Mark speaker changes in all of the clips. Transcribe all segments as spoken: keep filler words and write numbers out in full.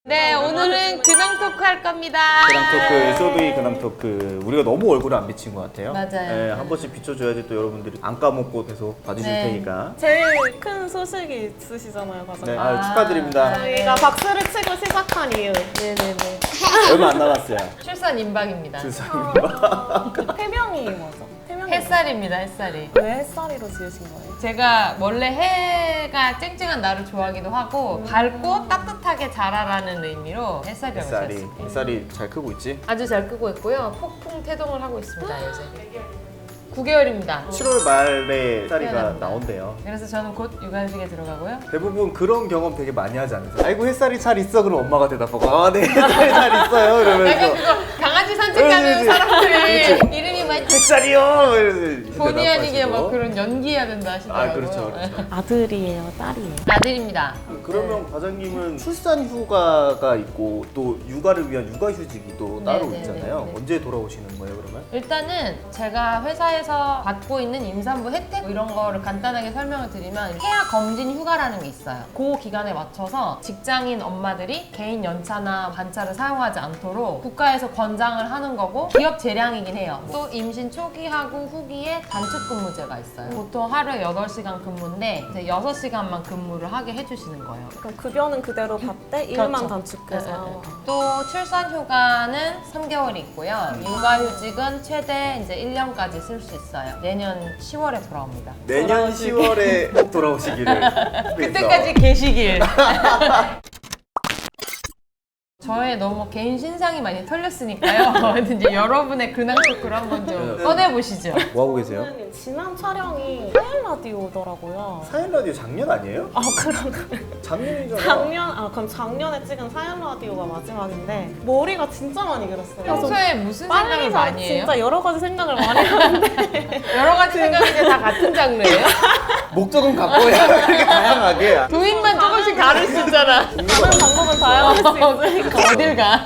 Speaker 1: 네, 오늘은 근황 토크 할 겁니다.
Speaker 2: 근황 토크, 에스오브이 근황 토크. 우리가 너무 얼굴을 안 비친 것 같아요.
Speaker 1: 맞아요.
Speaker 2: 네, 한 번씩 비춰줘야지 또 여러분들이 안 까먹고 계속 봐주실
Speaker 1: 네.
Speaker 2: 테니까.
Speaker 3: 제일 큰 소식이 있으시잖아요, 과장님.
Speaker 2: 네, 아유, 축하드립니다.
Speaker 3: 저희가 박수를 치고 시작한 이유.
Speaker 1: 네네네.
Speaker 2: 얼마 안 남았어요.
Speaker 1: 출산 임박입니다.
Speaker 2: 주사입니다.
Speaker 3: 태명이 뭐죠? 태명이
Speaker 1: 햇살입니다, 햇살이.
Speaker 3: 왜 햇살이로 지으신 거예요?
Speaker 1: 제가 원래 해가 쨍쨍한 날을 좋아하기도 하고 밝고 따뜻하게 자라라는 의미로 햇살이라고
Speaker 2: 햇살이,
Speaker 1: 지었습니다.
Speaker 2: 햇살이 잘 크고 있지?
Speaker 1: 아주 잘 끄고 있고요. 폭풍 태동을 하고 있습니다, 요새. 구 개월입니다.
Speaker 2: 칠월 말에 햇살이가
Speaker 1: 태어납니다.
Speaker 2: 나온대요.
Speaker 1: 그래서 저는 곧 육아휴직에 들어가고요.
Speaker 2: 대부분 그런 경험 되게 많이 하지 않으세요? 아이고 햇살이 잘 있어. 그럼 엄마가 대답하고 아 네 햇살이 잘 있어요
Speaker 1: 약간
Speaker 2: 이러면서
Speaker 1: 그거 강아지 산책하는
Speaker 2: 그치,
Speaker 1: 사람들이 이름이 막
Speaker 2: 햇살이요 이러면서
Speaker 1: 본의 아니게
Speaker 2: 대답하시고.
Speaker 1: 막 그런 연기해야 된다 하시더라고요.
Speaker 2: 아 그렇죠 그렇죠.
Speaker 3: 아들이에요, 딸이에요?
Speaker 1: 아들입니다.
Speaker 2: 그러면 과장님은 출산 휴가가 있고 또 육아를 위한 육아휴직이 또 따로
Speaker 1: 네, 네,
Speaker 2: 있잖아요.
Speaker 1: 네, 네.
Speaker 2: 언제 돌아오시는 거예요 그러면?
Speaker 1: 일단은 제가 회사에서 받고 있는 임산부 혜택 뭐 이런 거를 간단하게 설명을 드리면 태아 검진 휴가라는 게 있어요. 그 기간에 맞춰서 직장인 엄마들이 개인 연차나 반차를 사용하지 않도록 국가에서 권장을 하는 거고 기업 재량이긴 해요. 또 임신 초기하고 후기에 단축 근무제가 있어요. 보통 하루에 여덟 시간 근무인데 이제 여섯 시간만 근무를 하게 해주시는 거예요.
Speaker 3: 그럼 급여는 그대로 받되 일만
Speaker 1: 그렇죠.
Speaker 3: 단축해서.
Speaker 1: 네, 네, 네. 또 출산 휴가는 삼 개월이 있고요. 육아휴직은 최대 이제 일 년까지 쓸 수 있어요. 내년 시월에 돌아옵니다.
Speaker 2: 내년 시월에 꼭 돌아오시기를.
Speaker 1: 그때까지 계시길. 저의 너무 개인 신상이 많이 털렸으니까요. 이제 여러분의 근황 토크를 한번 좀
Speaker 2: 네.
Speaker 1: 꺼내보시죠.
Speaker 2: 뭐 하고 계세요?
Speaker 3: 선생님, 지난 촬영이 사일 라디오더라고요.
Speaker 2: 사연 라디오 작년 아니에요?
Speaker 3: 아, 그런가?
Speaker 2: 작년이잖아.
Speaker 3: 작년, 아, 그럼 작년에 찍은 사일 라디오가 마지막인데 머리가 진짜 많이 길었어요.
Speaker 1: 평소에 무슨
Speaker 3: 빨리
Speaker 1: 생각을
Speaker 3: 자,
Speaker 1: 많이 해요?
Speaker 3: 진짜 여러 가지 생각을 많이 하는데
Speaker 1: 여러 가지 생각인데 다 같은 장르예요?
Speaker 2: 목적은 갖고 야 그렇게 다양하게.
Speaker 1: 도인만 조금씩 다를 수 있잖아.
Speaker 3: 하는 방법은 다양할 수 있으니까.
Speaker 1: 어딜 가?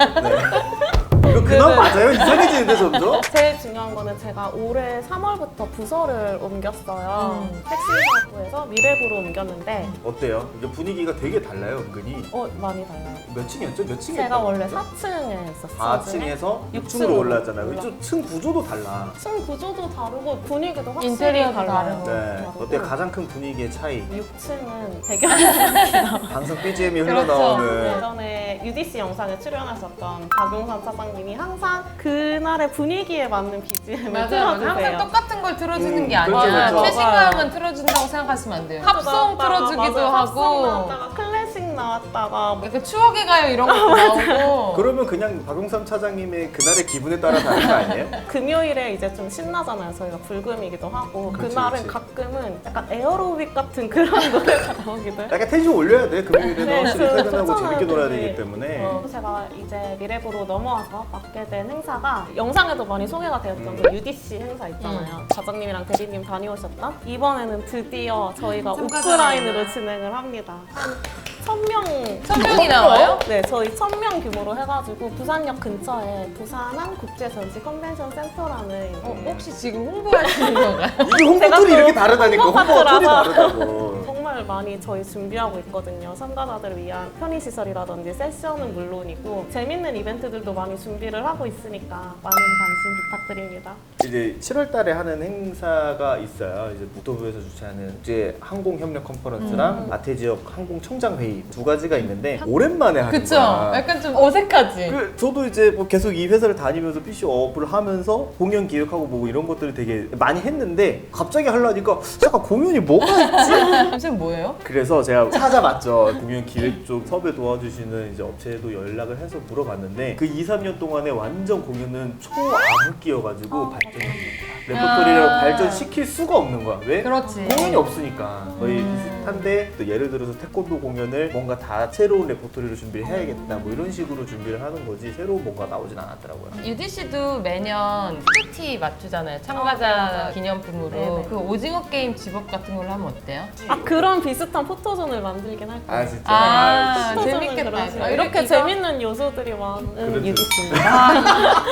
Speaker 2: 이거 근황 맞아요? 이상해지는데 점점?
Speaker 3: 제일 중요한 거는 제가 올해 삼월부터 부서를 옮겼어요.
Speaker 1: 음.
Speaker 3: 택시사업부에서 미래부로 옮겼는데
Speaker 2: 어때요? 이게 분위기가 되게 달라요 은근히.
Speaker 3: 어 많이 달라요.
Speaker 2: 몇 층이었죠? 몇 층에?
Speaker 3: 제가 원래 사 층에 있었어요.
Speaker 2: 사 층에서 육 층으로 올라왔잖아요. 이쪽 층 구조도 달라.
Speaker 3: 층 구조도 다르고 분위기도 확실히
Speaker 1: 인테리어도
Speaker 3: 달라요.
Speaker 1: 다르고.
Speaker 2: 네. 어때 가장 큰 분위기의 차이?
Speaker 3: 육 층은 배경이
Speaker 2: 방송 비지엠이
Speaker 1: 그렇죠.
Speaker 2: 흘러나오는.
Speaker 3: 예전에 유디씨 영상에 출연하셨던 박용산 차장님이 항상 그날의 분위기에 맞는 비지엠을
Speaker 1: 맞아요, 맞아요.
Speaker 3: 틀어주세요.
Speaker 1: 항상 똑같은 걸 틀어주는
Speaker 2: 음,
Speaker 1: 게
Speaker 2: 그렇죠,
Speaker 1: 아니라
Speaker 2: 그렇죠.
Speaker 1: 최신감은 틀어준다고 생각하시면 안 돼요. 합성
Speaker 3: 나왔다가,
Speaker 1: 틀어주기도
Speaker 3: 맞아요. 합성
Speaker 1: 하고
Speaker 3: 나왔다가 클래식 나왔다가 뭐
Speaker 1: 약간 추억에 가요 이런 것도 나오고
Speaker 2: 그러면 그냥 박용삼 차장님의 그날의 기분에 따라 다른 거 아니에요?
Speaker 3: 금요일에 이제 좀 신나잖아요. 저희가 불금이기도 하고
Speaker 2: 그렇지,
Speaker 3: 그날은
Speaker 2: 그렇지.
Speaker 3: 가끔은 약간 에어로빅 같은 그런 노래가 나오기도 해요.
Speaker 2: 약간 텐션 올려야 돼. 금요일에는
Speaker 3: 네,
Speaker 2: 확실히
Speaker 3: 저-
Speaker 2: 퇴근하고
Speaker 3: 좋잖아요,
Speaker 2: 재밌게 놀아야
Speaker 3: 그게.
Speaker 2: 되기 때문에.
Speaker 3: 어, 제가 이제 미래부로 넘어와서 맡게 된 행사가 영상에도 많이 소개가 되었던
Speaker 2: 음.
Speaker 3: 그 유디씨 행사 있잖아요. 과장님이랑 대리님 다녀오셨던 이번에는 드디어 저희가
Speaker 1: 참가자
Speaker 3: 오프라인으로 진행을 합니다. 천 명
Speaker 1: 천 명이 나와요?
Speaker 3: 네, 저희 천 명 규모로 해가지고 부산역 근처에 부산항 국제전시 컨벤션 센터라는
Speaker 1: 어, 혹시 지금 홍보하시는 건가요?
Speaker 2: 이게 홍보
Speaker 3: 제가
Speaker 2: 툴이
Speaker 3: 또
Speaker 2: 이렇게 다르다니까. 홍보 툴이
Speaker 3: 홍보파트라서.
Speaker 2: 다르다고.
Speaker 3: 정말 많이 저희 준비하고 있거든요. 참가자들을 위한 편의시설이라든지 세션은 물론이고 재밌는 이벤트들도 많이 준비를 하고 있으니까 많은 관심 부탁드립니다.
Speaker 2: 이제 칠월 달에 하는 행사가 있어요. 이제 국토부에서 주최하는 국제 항공 협력 컨퍼런스랑
Speaker 1: 음.
Speaker 2: 아태 지역 항공 청장 회의 두 가지가 있는데 오랜만에 하는
Speaker 1: 그쵸?
Speaker 2: 거야.
Speaker 1: 약간 좀 어색하지?
Speaker 2: 그 저도 이제 뭐 계속 이 회사를 다니면서 피씨업을 하면서 공연 기획하고 뭐 이런 것들을 되게 많이 했는데 갑자기 하려니까 잠깐 공연이 뭐가 있지?
Speaker 1: 선생님 뭐예요?
Speaker 2: 그래서 제가 찾아봤죠. 공연 기획 쪽 섭외 도와주시는 이제 업체에도 연락을 해서 물어봤는데 그 이, 삼 년 동안에 완전 공연은 초암흑기여가지고 발전이 안 된다. 레퍼토리를
Speaker 1: 아.
Speaker 2: 발전시킬 수가 없는 거야. 왜?
Speaker 1: 그렇지.
Speaker 2: 공연이 없으니까 거의
Speaker 1: 음.
Speaker 2: 비슷한데 또 예를 들어서 태권도 공연을 뭔가 다 새로운 레퍼토리로 준비를 해야겠다 뭐 이런 식으로 준비를 하는 거지 새로운 뭔가 나오진 않았더라고요.
Speaker 1: 유디씨도 매년 큐티 맞추잖아요. 참가자 기념품으로.
Speaker 3: 네네.
Speaker 1: 그 오징어 게임 집업 같은 걸로 하면 어때요?
Speaker 3: 아 그런 비슷한 포토존을 만들긴 할 거예요.
Speaker 2: 아 진짜?
Speaker 1: 아,
Speaker 3: 포토존은
Speaker 1: 재밌겠다.
Speaker 3: 그런 식으로.
Speaker 1: 아,
Speaker 3: 이렇게
Speaker 1: 이거-
Speaker 3: 재밌는 요소들이 많은
Speaker 2: 그렇죠.
Speaker 3: 유디씨입니다.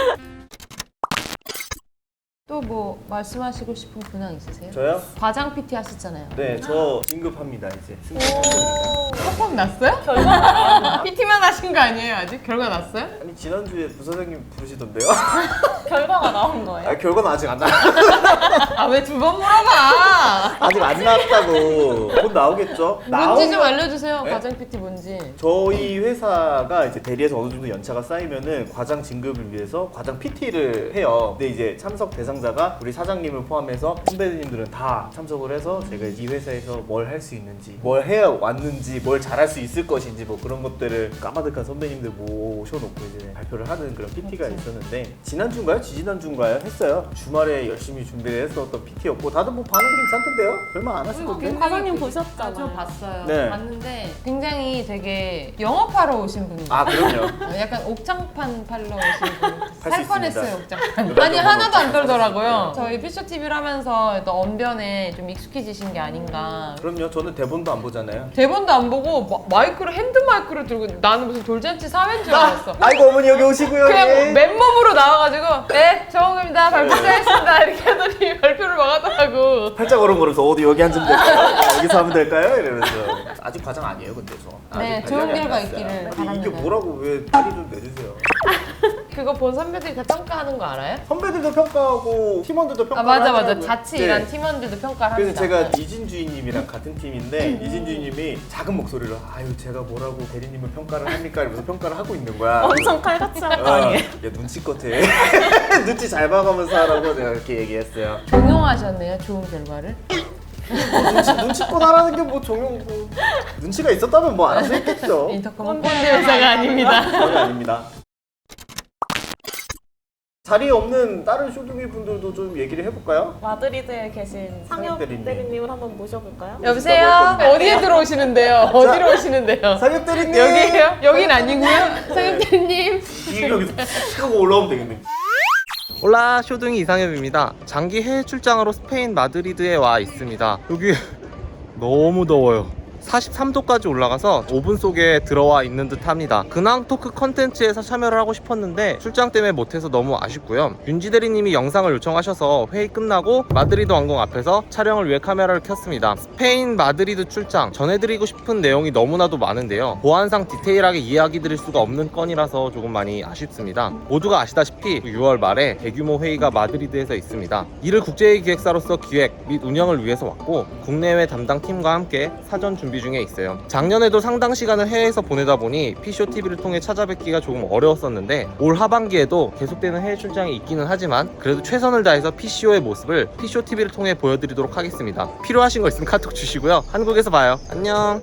Speaker 1: 또 뭐 말씀하시고 싶은 근황 있으세요?
Speaker 2: 저요?
Speaker 1: 과장 피티 하셨잖아요.
Speaker 2: 네, 저 진급합니다 이제. 승진했으니까.
Speaker 1: 톡톡 났어요?
Speaker 3: 결과가 나왔는데
Speaker 1: 피티만 하신 거 아니에요 아직? 결과 났어요?
Speaker 2: 아니 지난주에 부사장님 부르시던데요?
Speaker 3: 결과가 나온 거예요.
Speaker 2: 아, 결과는 아직 안 나.
Speaker 1: 아 왜 두 번 물어봐?
Speaker 2: 아직 안 나왔다고. 곧 나오겠죠?
Speaker 1: 뭔지 좀
Speaker 2: 나오면-
Speaker 1: 알려주세요.
Speaker 2: 네?
Speaker 1: 과장 피티 뭔지.
Speaker 2: 저희 회사가 이제 대리에서 어느 정도 연차가 쌓이면은 과장 진급을 위해서 과장 피티를 해요. 근데 이제 참석 대상자가 우리 사장님을 포함해서 선배님들은 다 참석을 해서 제가 이 회사에서 뭘 할 수 있는지, 뭘 해 왔는지, 뭘 잘할 수 있을 것인지 뭐 그런 것들을 까마득한 선배님들 모셔놓고 이제 발표를 하는 그런 피티가 있었는데 지난주인가요? 지지난주인가요? 했어요. 주말에 열심히 준비를 했었던 피티였고 다들 뭐 반응 괜찮던데요? 별말 안 하시던데?
Speaker 3: 과장님
Speaker 1: 아,
Speaker 3: 보셨잖아요.
Speaker 1: 저 봤어요.
Speaker 2: 네.
Speaker 1: 봤는데 굉장히 되게 영업하러 오신 분이에요.
Speaker 2: 아 그럼요.
Speaker 1: 어, 약간 옥장판 팔러 오신 분.
Speaker 2: 수
Speaker 1: 살
Speaker 2: 있습니다.
Speaker 1: 뻔했어요 옥장판.
Speaker 2: 그런
Speaker 1: 아니
Speaker 2: 정도는
Speaker 1: 하나도 안
Speaker 2: 없죠.
Speaker 1: 떨더라고요. 저희 피쇼 티비를 하면서 또 언변에 좀 익숙해지신 게 아닌가.
Speaker 2: 그럼요. 저는 대본도 안 보잖아요.
Speaker 1: 대본도 안 보고 마, 마이크를 핸드 마이크를 들고 나는 무슨 돌잔치 사회인 줄 알았어.
Speaker 2: 아이고 어머니 여기 오시고요.
Speaker 1: 그냥
Speaker 2: 예.
Speaker 1: 맨몸으로 나와가지고 네 정우입니다 발표 시작했습니다 이렇게 하더니 발표를 막 하더라고.
Speaker 2: 팔짝 걸음걸어서 어디 여기 앉으면 될까요? 아, 여기서 하면 될까요? 이러면서 아직 과장 아니에요 근데 저.
Speaker 1: 네,
Speaker 2: 아직
Speaker 1: 좋은
Speaker 2: 발령이 안
Speaker 1: 결과
Speaker 2: 났어요.
Speaker 1: 있기를
Speaker 2: 근데
Speaker 1: 바랍니다.
Speaker 2: 이게 뭐라고 왜 빨리 좀 내주세요.
Speaker 1: 그거 본 선배들이 다 평가하는 거 알아요?
Speaker 2: 선배들도 평가하고 팀원들도
Speaker 1: 아
Speaker 2: 평가를
Speaker 1: 맞아 맞아
Speaker 2: 하더라고요.
Speaker 1: 자취
Speaker 2: 네.
Speaker 1: 일한 팀원들도 평가를
Speaker 2: 그래서
Speaker 1: 합니다.
Speaker 2: 제가 이진주인님이랑 같은 팀인데 이진주인님이 작은 목소리로 아유 제가 뭐라고 대리님을 평가를 합니까? 이러면서 평가를 하고 있는 거야.
Speaker 3: 엄청 칼같이 할 거
Speaker 2: 어,
Speaker 3: 아니에요.
Speaker 2: 야 눈치껏 해. 눈치 잘 봐가면서 하라고 제가 이렇게 얘기했어요.
Speaker 1: 종용하셨네요 좋은 결과를.
Speaker 2: 눈치, 눈치껏 하라는 게 뭐 종용 뭐 눈치가 있었다면 뭐 알아서 했겠죠.
Speaker 1: 인터컴은 꼰대 회사가 아닙니다.
Speaker 2: 전혀 아닙니다. 자리에 없는 다른 쇼둥이 분들도 좀 얘기를 해볼까요?
Speaker 3: 마드리드에 계신 상엽
Speaker 2: 대리님.
Speaker 3: 대리님을 한번 모셔볼까요?
Speaker 1: 여보세요?
Speaker 2: 했거든요.
Speaker 1: 어디에 들어오시는데요? 어디로 오시는데요?
Speaker 2: 상엽 대리님!
Speaker 1: 여기에요? 여긴 아니고요. 상엽 대리님.
Speaker 2: 이 여기서 탁 하고 올라오면 되겠네.
Speaker 4: 올라 쇼둥이 이상엽입니다. 장기 해외 출장으로 스페인 마드리드에 와 있습니다. 여기 너무 더워요. 사십삼 도까지 올라가서 오븐 속에 들어와 있는 듯 합니다. 근황 토크 컨텐츠에서 참여를 하고 싶었는데 출장 때문에 못해서 너무 아쉽고요. 윤지 대리님이 영상을 요청하셔서 회의 끝나고 마드리드 왕궁 앞에서 촬영을 위해 카메라를 켰습니다. 스페인 마드리드 출장 전해드리고 싶은 내용이 너무나도 많은데요. 보안상 디테일하게 이야기 드릴 수가 없는 건이라서 조금 많이 아쉽습니다. 모두가 아시다시피 유월 말에 대규모 회의가 마드리드에서 있습니다. 이를 국제회의 기획사로서 기획 및 운영을 위해서 왔고 국내외 담당 팀과 함께 사전 준비 중에 있어요. 작년에도 상당 시간을 해외에서 보내다 보니 피쇼 티비를 통해 찾아뵙기가 조금 어려웠었는데 올 하반기에도 계속되는 해외 출장이 있기는 하지만 그래도 최선을 다해서 피쇼의 모습을 피쇼 티비를 통해 보여드리도록 하겠습니다. 필요하신 거 있으면 카톡 주시고요. 한국에서 봐요. 안녕.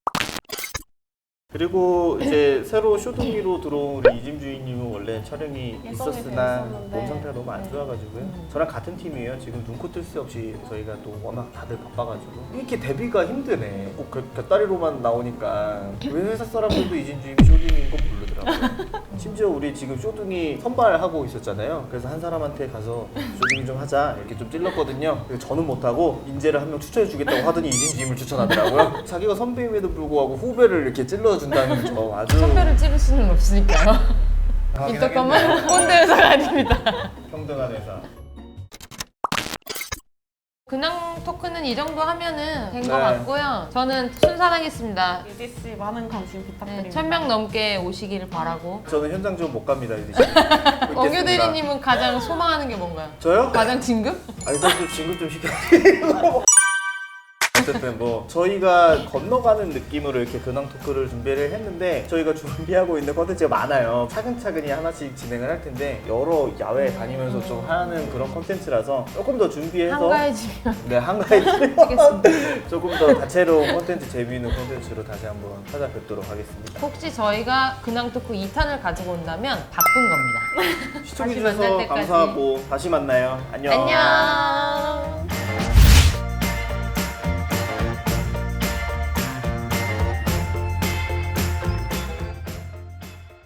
Speaker 2: 그리고 이제 새로 쇼둥이로 들어온 우리 이진주인님은 원래 촬영이
Speaker 3: 예정이
Speaker 2: 있었으나
Speaker 3: 돼 있었는데.
Speaker 2: 몸 상태가 너무 안
Speaker 3: 네.
Speaker 2: 좋아가지고요. 저랑 같은 팀이에요. 지금 눈코 뜰 새 없이 저희가 또 워낙 다들 바빠가지고 이렇게 데뷔가 힘드네. 꼭 곁- 곁다리로만 나오니까 왜 회사 사람들도 이진주님이 쇼둥이인 거 모르더라고요. 심지어 우리 지금 쇼둥이 선발하고 있었잖아요. 그래서 한 사람한테 가서 쇼둥이 좀 하자 이렇게 좀 찔렀거든요. 그래서 저는 못하고 인재를 한 명 추천해주겠다고 하더니 이진주님을 추천하더라고요. 자기가 선배임에도 불구하고 후배를 이렇게 찔러준다는 저 아주
Speaker 1: 선배를 찌를 수는 없으니까요.
Speaker 2: 당황하긴
Speaker 1: 인터컴은
Speaker 2: 하겠네요.
Speaker 1: 꼰대 회사가 아닙니다.
Speaker 2: 평등한 회사.
Speaker 1: 근황 토크는 이 정도 하면은 된 것
Speaker 2: 네.
Speaker 1: 같고요. 저는 순산하겠습니다.
Speaker 3: 유지씨 많은 관심 부탁드립니다.
Speaker 1: 네, 천 명 넘게 오시기를 바라고.
Speaker 2: 저는 현장 지원 못 갑니다 이제.
Speaker 1: 원규 대리님은 가장 소망하는 게 뭔가요?
Speaker 2: 저요?
Speaker 1: 가장 진급?
Speaker 2: 아니 저좀 진급 좀 시켜드리고. 어쨌든 뭐 저희가 건너가는 느낌으로 이렇게 근황 토크를 준비를 했는데 저희가 준비하고 있는 컨텐츠가 많아요. 차근차근히 하나씩 진행을 할 텐데 여러 야외 다니면서 좀 하는 그런 컨텐츠라서 조금 더 준비해서
Speaker 1: 한가해지면
Speaker 2: 네 한가해지면
Speaker 1: 하겠습니다.
Speaker 2: 조금 더 다채로운 컨텐츠 재미있는 컨텐츠로 다시 한번 찾아뵙도록 하겠습니다.
Speaker 1: 혹시 저희가 근황 토크 이 탄을 가지고 온다면 바쁜 겁니다. 다시
Speaker 2: 시청해주셔서
Speaker 1: 만날 때까지.
Speaker 2: 감사하고 다시 만나요. 안녕.
Speaker 1: 안녕.